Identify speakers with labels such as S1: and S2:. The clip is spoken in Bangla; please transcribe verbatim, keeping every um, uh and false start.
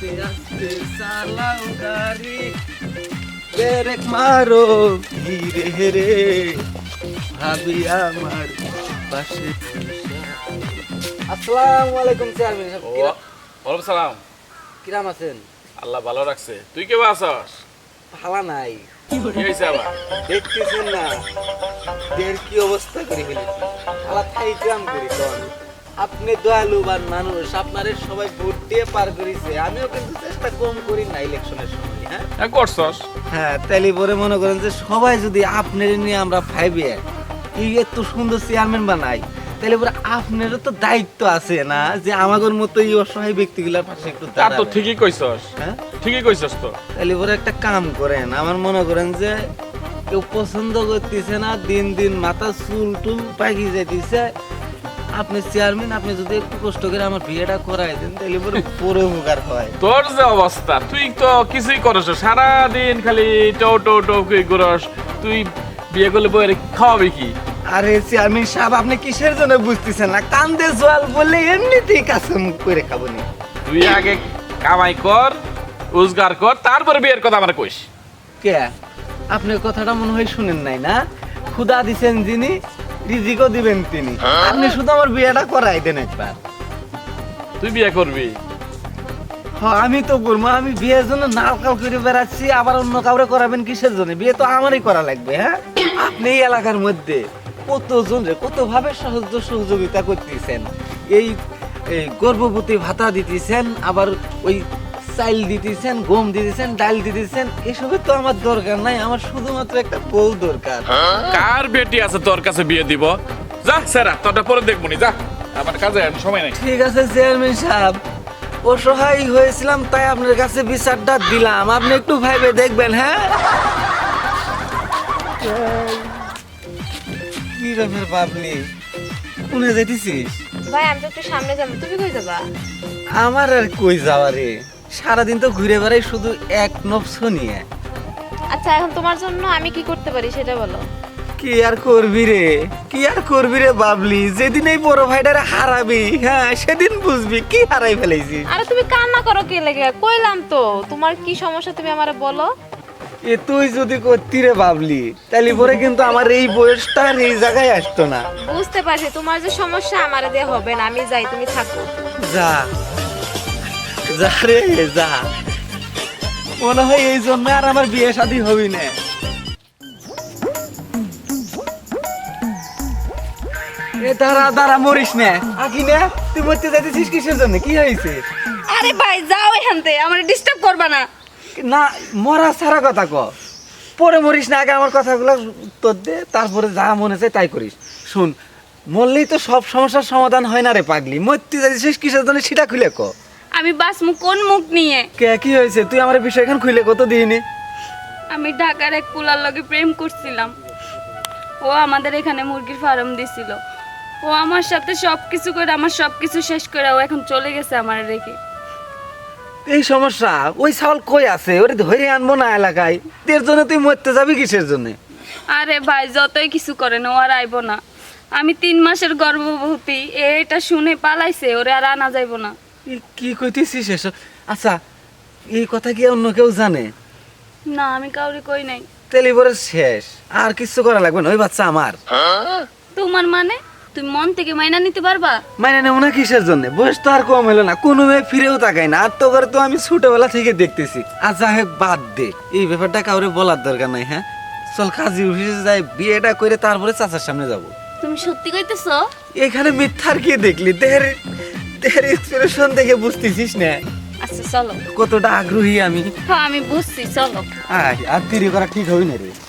S1: আস্তে আস্তে চালাও গাড়ি, ব্রেক মারো ধীরে রে, ভাবি আমার পাশে বসা। আসসালামু আলাইকুম চেয়ারম্যান সাহেব। কিরা-
S2: ওয়ালাইকুম সালাম।
S1: কিরাম আছেন?
S2: আল্লাহ ভালো রাখছে। তুই কেমন আছস?
S1: ভালা নাই,
S2: কি হয়েছে আবার?
S1: দেখতেছেন না দেহের কি অবস্থা করে ফেলেছি। আলা থাইকাম করি কোন আপনি দয়ালুবান মানুষ, আপনারে সবাই ভোট দিয়ে পার করেছে, আমিও কিন্তু চেষ্টা কম করি না ইলেকশনের সময়। হ্যাঁ
S2: হ্যাঁ করছস।
S1: হ্যাঁ, তাইলে পরে মনে করেন যে সবাই যদি আপনার নিয়ে আমরা ভাইবে এই এত সুন্দর চেয়ারম্যান বানাই, তাহলে পরে আপনারও তো দায়িত্ব আছে না যে আমাদের মতো এই অসহায় ব্যক্তিগুলোর পাশে একটু
S2: তা তো
S1: দাঁড়াবেন।
S2: ঠিকই কইছস।
S1: হ্যাঁ,
S2: ঠিকই কইছস তো।
S1: তাহলে পরে একটা কাম করেন, আমার মনে করেন যে কেউ পছন্দ করতেছে না, দিন দিন মাথা চুল টুল পাকি যাইতেছে, আপনি চেয়ারম্যান, আপনি যদি একটু কষ্ট করে আমার বিয়েটা করাই দেন তাহলে পরে পুরো উপকার হয়।
S2: তোর যে অবস্থা, তুই তো কিছুই করছ, সারা দিন খালি টো টো টো কই করস। তুই বিয়ে করলে বইরে খাওয়াবি কি?
S1: আরে চেয়ারম্যান সাহেব, আপনি কিসের জন্য বুঝতেছেন না? কান্দে জল বললে এমনিতেই কাছে মুখ করে খাবো নি।
S2: তুই আগে কামাই কর, রোজগার কর, তারপরে বিয়ের কথা আমার কইস।
S1: কে আপনি কথাটা মনে হয় শুনেন নাই না? খুদা দিছেন যিনি, রিজিকও দিবেন তিনি। আপনি শুধু আমার বিয়েটা করাই দেন একবার।
S2: তুই বিয়ে করবি?
S1: হ্যাঁ, আমি তো করবো। আমি বিয়ের জন্য নাল কাল করে বেড়াচ্ছি, আবার অন্য কাউরে করাবেন কিসের জন্য? বিয়ে তো আমারই করা লাগবে। হ্যাঁ, আপনি এই এলাকার মধ্যে কতজন রে কত ভাবে সাহায্য সহযোগিতা করতেছেন, এই এই গর্ভবতী ভাতা দিতেছেন, আবার ওই চাইল দিতেছেন, গম দিতেছেন, ডাল দিতেছেন, এসবের তো আমার দরকার নাই, আমার শুধুমাত্র একটা বউ দরকার।
S2: কার বেটি আছে তোর কাছে বিয়ে দিব? যা সেরা, তোরটা পরে দেখবো নি, যা। আমার কাজে এখন সময় নাই।
S1: ঠিক আছে চেয়ারম্যান সাহেব, অসহায় হয়েছিলাম তাই আপনার কাছে বিচারটা দিলাম, আপনি একটু ভাইবে দেখবেন। হ্যাঁ, কি ব্যাপার বাবলি, কোনে যাইতেছিস?
S3: ভাই আমি তো একটু সামনে যাবো, তুমি কই যাবা?
S1: আমার আর কই যাওয়া রে, সারাদিন তো ঘুরে বেড়াই শুধু এক নফস নিয়ে।
S3: আচ্ছা এখন তোমার জন্য আমি কি করতে পারি সেটা বলো।
S1: কি আর করবি রে, কি আর করবি রে বাবলি, যেদিন এই বড় ভাইটারে হারাবি, হ্যাঁ সেদিন বুঝবি কি হারাই ফেলেছিস।
S3: আরে তুমি কান্না করো কে লেগে? কইলাম তো তোমার কি সমস্যা তুমি আমারে বলো।
S1: এ তুই যদি করতি রে বাবলি, তাহলে পরে কিন্তু আমার এই বয়সটা আর এই জায়গায় আসতো না।
S3: বুঝতে পারছি তোমার যে সমস্যা আমারে দিয়ে হবে না, আমি যাই, তুমি থাকো।
S1: যা যা রে যা, মনে হয় এই জন্য আর আমার বিয়ে শাদী হবি না। এ দাঁড়া দাঁড়া, মরিস না আকি না, তুই মরতে যাইতেছিস কিসের জন্য? কি হয়েছে?
S3: আরে ভাই যাও এখান থেকে, আমারে ডিস্টার্ব করবা না।
S1: না, মরা সারা কথা ক, পরে মরিস না, আগে আমার কথাগুলো উত্তর দে, তারপরে যা মনে চায় তাই করিস। শুন, মরলেই তো সব সমস্যার সমাধান হয় না রে পাগলি, মরতে যাইতেছিস কিসের জন্য সেটা খুলে ক।
S3: আমি বাস মুখ কোন মুখ নিয়ে?
S1: কে কি হয়েছে তুই আমার বিষয় এখন খুলে কত দিইনি?
S3: আমি ঢাকার এক কুলার লগে প্রেম করছিলাম, ও আমাদের এখানে মুরগির ফার্ম দিছিল, ও আমার সাথে সবকিছু করে আমার সবকিছু শেষ করে ও এখন চলে গেছে আমার রেখে।
S1: এই সমস্যা, ওই চাউল কই আছে? ওরে ধরে আনবো না এলাকায়, এর জন্য তুই মরতে যাবি কিসের জন্য?
S3: আরে ভাই যতই কিছু করেন ও আর আইব না, আমি তিন মাসের গর্ভবতী, এটা শুনে পালাইছে, ওরে আর আনা যাইব না।
S1: এ কি কইতেছিস এসব? আচ্ছা, এই কথা কি অন্য কেউ জানে?
S3: না আমি কাউরে কই নাই।
S1: তেলিবরে শেষ, আর কিছু করা লাগবে না, ওই বাচ্চা আমার।
S3: তোমার মানে তুমি মন থেকে মাইনা নিতে পারবা?
S1: মানে নেব না কিসের জন্য? বয়স তো আর কম হলো না, কোনো মেয়ে ফিরেও তাকায় না, আর তো করে তো আমি ছোটবেলা থেকে দেখতেছি। আর যা হোক বাদ দে, এই ব্যাপারটা কাউরে বলার দরকার নাই। হ্যাঁ চল, কাজী অফিসে যাই, বিয়েটা করে তারপরে চাচার সামনে যাব।
S3: তুমি সত্যি কইতেছো?
S1: এখানে মিথ্যার কি দেখলি? দেহের দেহের এক্সপ্রেশন দেখে বুঝতেছিস না
S3: আচ্ছা চলো।
S1: কতটা আগ্রহী আমি।
S3: হ্যাঁ আমি বুঝছি, চলো।
S1: আয়, আর দেরি করা ঠিক হই না রে।